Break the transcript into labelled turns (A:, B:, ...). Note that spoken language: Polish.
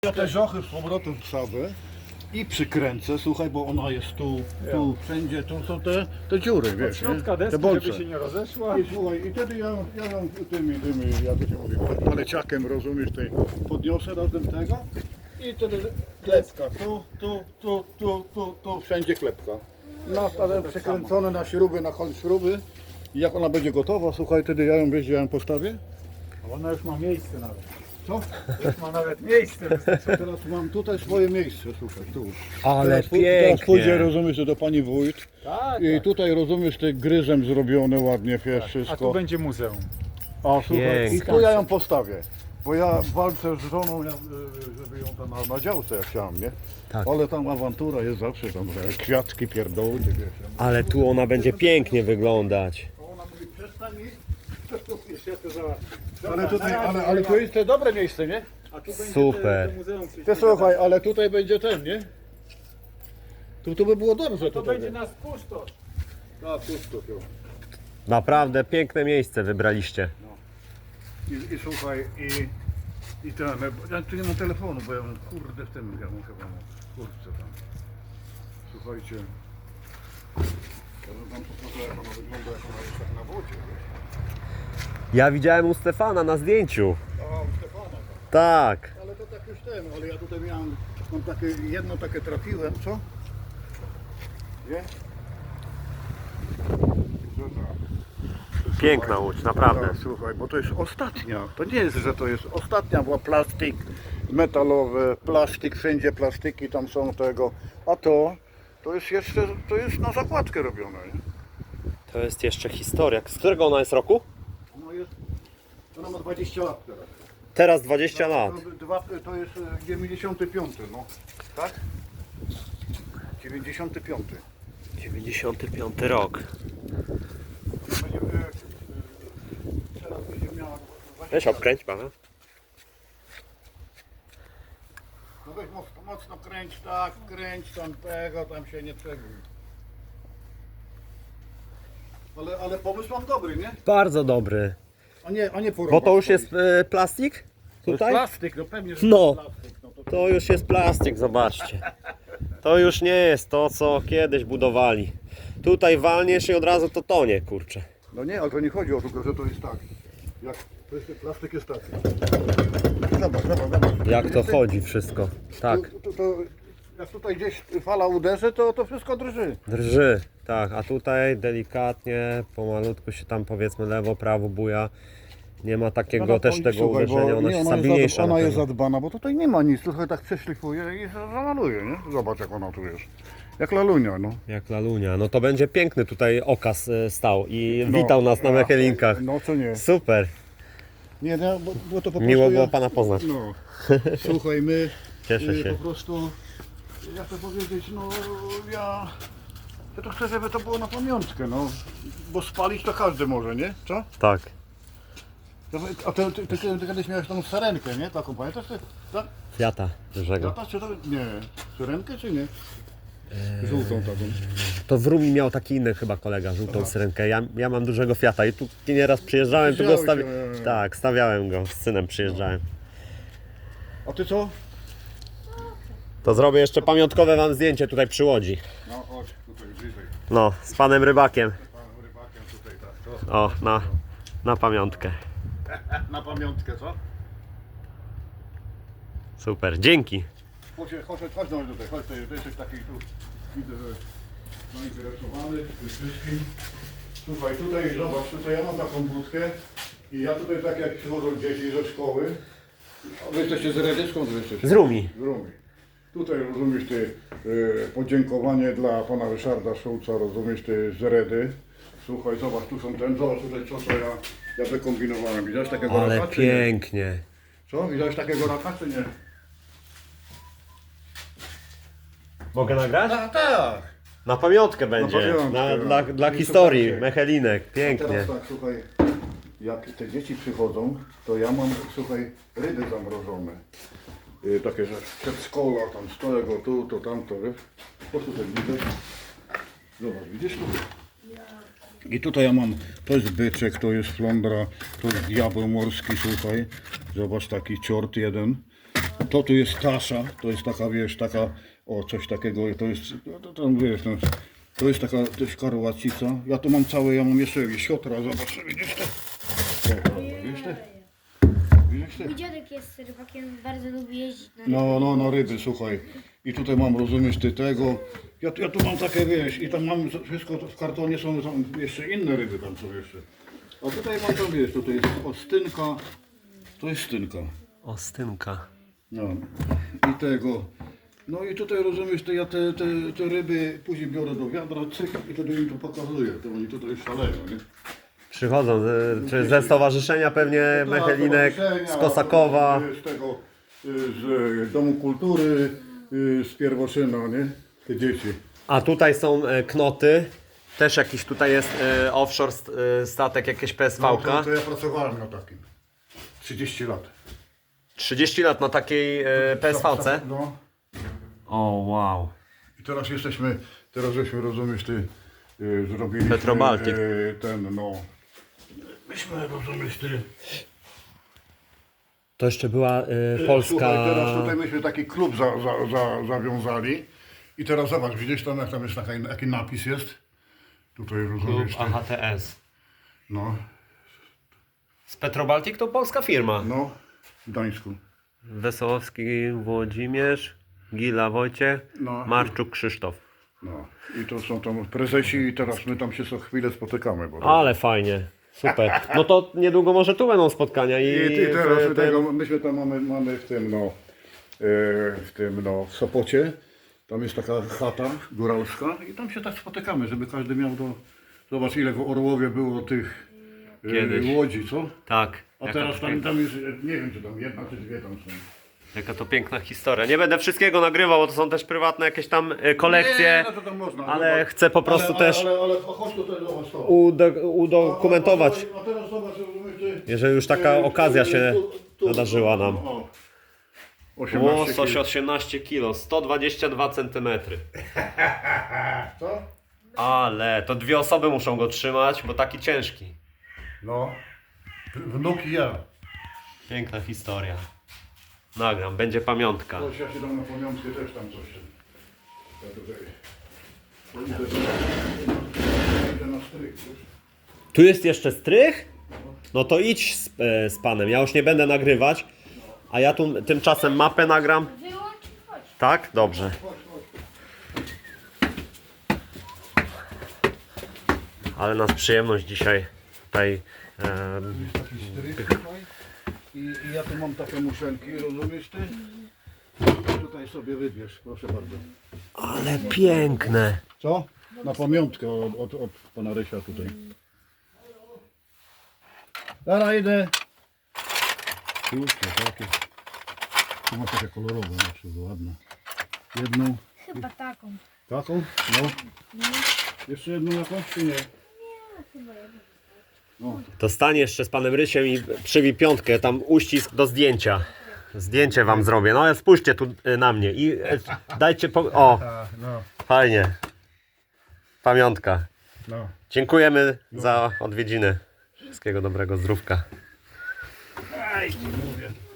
A: Ja te żochy z powrotem wsadzę i przykręcę, słuchaj, bo ona jest tu, wszędzie, tu są te dziury, wiesz,
B: Środka
A: nie?
B: deski,
A: Te bolce.
B: żeby się nie rozeszła.
A: I słuchaj, i wtedy ja ją tymi, jak to się mówi, paleciakiem, rozumiesz, podniosę razem tego i wtedy klepka, tu, wszędzie klepka. Nastawiam przekręcone na śruby, na koń śruby i jak ona będzie gotowa, słuchaj, wtedy ja ją postawię.
B: Ona już ma miejsce nawet.
A: Co?
B: Już ma nawet miejsce.
A: Teraz mam tutaj swoje miejsce, słuchaj, tu.
C: Ale
A: Teraz pójdzie,
C: pięknie.
A: rozumiesz, do pani wójt
B: Tak,
A: i tutaj, rozumiesz, te gryzem zrobione ładnie, wiesz,
B: A
A: wszystko.
B: tu będzie muzeum.
A: A słuchaj, i
C: Pięknie.
A: tu ja ją postawię, bo ja walczę z żoną, żeby ją tam na działce jak chciałem, nie?
C: Tak.
A: Ale tam awantura jest zawsze, tam kwiatki pierdoły, ty wiesz.
C: Ale tu ona będzie pięknie wyglądać.
A: Ona mówi, przestań mi, ale to jest to dobre miejsce, nie?
B: A tu będzie
C: Super.
B: to muzeum.
A: Ty słuchaj, ale tutaj będzie ten, nie? Tu by było dobrze
B: To
A: tutaj.
B: będzie nas puszczosz.
A: Tak, pusto tu.
C: Naprawdę piękne miejsce wybraliście.
A: I słuchaj, i ten, ja tu nie mam telefonu, bo ja mam, kurde, w tym, ja mam chyba w kurtce tam. Słuchajcie, ja wam pokażę, jak ona wygląda, jak ona jest tak na wodzie, wiesz.
C: Ja widziałem u Stefana na zdjęciu.
A: A, u Stefana,
C: Tak.
A: ale to tak już ten, ale ja tutaj mam takie, jedno takie trafiłem, co? Nie? Że tak.
C: Piękna łódź, naprawdę.
A: Tak, słuchaj, bo to jest ostatnia. To nie jest, że to jest ostatnia, była plastik metalowy, plastik, wszędzie plastiki tam są tego. A to jest jeszcze, to jest na zakładkę robione. Nie?
C: To jest jeszcze historia. Z którego ona jest roku?
A: Ona ma 20 lat teraz.
C: Teraz 20 lat.
A: To jest 95, no. Tak? 95.
C: 95 rok.
A: Będzie, teraz będzie miała 20
C: Weź
A: lat.
C: obkręć pana.
A: No weź mocno kręć, tak, kręć tam tego, tam się nie przeguj. Ale pomysł mam dobry, nie?
C: Bardzo dobry.
A: A nie porąbać.
C: Bo to już jest plastik?
A: To jest
C: Tutaj?
A: plastik, no pewnie, że
C: No.
A: to jest plastik. No
C: To już jest plastik, zobaczcie. To już nie jest to, co kiedyś budowali. Tutaj walniesz i od razu to tonie, kurczę.
A: No nie, ale to nie chodzi o to, że to jest tak. Jak to jest, plastik jest taki. Zobacz.
C: Jak to chodzi wszystko. Tak.
A: Jak tutaj gdzieś fala uderzy, to wszystko drży.
C: Drży, tak, a tutaj delikatnie, pomalutku się tam powiedzmy lewo, prawo buja. Nie ma takiego też tego
A: Słuchaj, bo
C: uderzenia, ona
A: nie,
C: jest stabilniejsza.
A: Ona
C: na
A: jest
C: pewno.
A: zadbana, bo tutaj nie ma nic, trochę tak przeszlifuje i zamaluje, nie? Zobacz jak ona tu jest. Jak lalunia, no.
C: Jak lalunia. No to będzie piękny tutaj okaz stał i witał nas na Mechelinkach.
A: No co nie.
C: Super,
A: Nie, bo to po prostu
C: miło było
A: ja,
C: pana poznać.
A: No, słuchaj, my
C: Cieszę się.
A: po prostu, jak to powiedzieć, no ja to chcę, żeby to było na pamiątkę, no. Bo spalić to każdy może, nie? Co?
C: Tak.
A: A ty kiedyś miałeś tą sarenkę, nie? Taką, pamiętasz? Tak?
C: Fiata dużego.
A: Lata, czy to? Nie. Syrenkę czy nie? Żółtą taką.
C: To w Rumi miał taki inny chyba kolega, żółtą syrenkę. Ja mam dużego Fiata i tu nieraz przyjeżdżałem, to go
A: Widziałeś,
C: Tak, stawiałem go, z synem przyjeżdżałem.
A: A ty co?
C: To zrobię jeszcze pamiątkowe wam zdjęcie tutaj przy łodzi.
A: No chodź, tutaj bliżej.
C: No, z panem rybakiem.
A: Panem rybakiem tutaj tak.
C: O, na pamiątkę.
A: Na pamiątkę, co?
C: Super, dzięki.
A: Chodź no tutaj, chodź, ty jesteś taki tu, widzę, że zainteresowany tym wszystkim. Słuchaj, tutaj zobacz, tutaj ja mam taką budkę i ja tutaj tak jak przychodzą dzieci ze szkoły, a wy jesteście z Redy, skąd wy jesteście?
C: Z Rumi.
A: Z Rumi. Tutaj rozumiesz ty podziękowanie dla pana Ryszarda Szulca, rozumiesz ty z Redy. Słuchaj, zobacz, tu są zobacz tutaj co ja wykombinowałem. Widziałeś takiego
C: Ale
A: raka, czy nie?
C: pięknie.
A: Co? Widziałeś takiego raka, czy nie?
C: Mogę nagrać?
A: Tak.
C: Na pamiątkę będzie.
A: pamiątkę,
C: Dla
A: no.
C: historii,
A: Słuchajcie.
C: Mechelinek.
A: A
C: Pięknie.
A: teraz tak, słuchaj, jak te dzieci przychodzą, to ja mam, słuchaj, ryby zamrożone. Takie, że przedszkola, tam z tego, tu, to, tamto, wiesz? Po tutaj widzę. Zobacz, widzisz tu? I tutaj ja mam, to jest byczek, to jest flądra, to jest diabeł morski, słuchaj. Zobacz, taki ciort jeden. To tu jest kasza, to jest taka, wiesz, taka, o coś takiego, to jest, to wiesz, no, to jest taka też karłacica. Ja tu mam całe, ja mam jeszcze siotra, zobacz, widzisz to? Widzisz to? Widzisz to?
D: Mój dziadek jest rybakiem, bardzo lubi jeździć na
A: No, ryby, słuchaj. I tutaj mam, rozumiesz, ty tego. Ja tu mam takie, wiesz, i tam mam wszystko, w kartonie są tam jeszcze inne ryby tam są jeszcze. A tutaj mam tam, wiesz, tutaj jest ostynka, to jest stynka.
C: Ostynka.
A: No. I tego. No i tutaj, rozumiesz, to ja te ryby później biorę do wiadra, cyk, i wtedy im to pokazuję, to oni tutaj szaleją, nie?
C: Przychodzą, czy ze stowarzyszenia pewnie Mechelinek, z Kosakowa.
A: Z tego, z Domu Kultury, z Pierwoszyna, nie? Te dzieci.
C: A tutaj są knoty. Też jakiś tutaj jest offshore statek, jakieś
A: No,
C: PSV-ka.
A: to ja pracowałem na takim. 30 lat.
C: 30 lat na takiej PSV-ce.
A: No.
C: O, wow.
A: I teraz żeśmy, rozumiesz, ty, zrobiliśmy
C: Petrobaltic.
A: Ten, no. Myśmy, rozumiesz, ty.
C: To jeszcze była polska...
A: Słuchaj, teraz tutaj myśmy taki klub zawiązali. I teraz zobacz, widzisz tam, jak tam jest jaki napis jest? Tutaj,
C: Klub
A: rozumiesz, ty.
C: AHTS.
A: No,
C: Z Petrobaltic to polska firma.
A: no, w Gdańsku.
C: Wesołowski Włodzimierz, Gila Wojciech,
A: No.
C: Marczuk Krzysztof.
A: No. I to są tam prezesi i teraz my tam się co chwilę spotykamy. Bo
C: Ale fajnie, super. No to niedługo może tu będą spotkania i
A: teraz myśmy tam mamy w tym, no, w Sopocie. Tam jest taka chata góralska i tam się tak spotykamy, żeby każdy miał do... Zobacz, ile w Orłowie było tych
C: Kiedyś.
A: łodzi, co?
C: Tak.
A: A
C: Jaka
A: teraz
C: to
A: tam
C: piękna-
A: jest, nie wiem, czy tam jedna, czy dwie tam są.
C: Jaka to piękna historia. Nie będę wszystkiego nagrywał, bo to są też prywatne jakieś tam kolekcje,
A: Nie, no to tam można.
C: ale
A: Zobacz.
C: chcę po prostu też
A: Ale chodź tutaj, zobacz to.
C: udokumentować,
A: A teraz zobacz, rozumiesz, ty,
C: jeżeli już taka okazja się nadarzyła nam.
A: O, 18
C: Łosoś
A: kilo.
C: 18 kg, 122 cm.
A: Co?
C: Ale to dwie osoby muszą go trzymać, bo taki ciężki.
A: No. Wnuk i ja.
C: Piękna historia. Nagram, będzie pamiątka.
A: Chodź, ja się dam na pamiątkę też tam coś. Ja tutaj... Idę na stryk, wiesz?
C: Tu jest jeszcze strych? No to idź z panem, ja już nie będę nagrywać. A ja tu tymczasem mapę nagram.
D: Wyłącz i chodź.
C: Tak? Dobrze. Ale nas przyjemność dzisiaj tutaj.
A: Taki stryk tutaj. I ja tu mam takie muszelki, rozumiesz ty? Tutaj sobie wybierz, proszę bardzo.
C: Ale piękne.
A: Co? Na pamiątkę od pana Rysia tutaj. Dobra, idę. Kurczę, takie. Tu ma takie kolorowe, znaczy, ładne. Jedną,
D: Chyba taką.
A: taką? No. Jeszcze jedną jakąś, czy nie?
D: Chyba jedną.
A: No.
C: To stań jeszcze z panem Rysiem i przybij piątkę, tam uścisk do zdjęcia. Zdjęcie wam zrobię. No ale spójrzcie tu na mnie i dajcie o,
A: No,
C: fajnie. Pamiątka.
A: no.
C: Dziękujemy za odwiedziny. Wszystkiego dobrego, zdrówka.
A: Aj, mówię.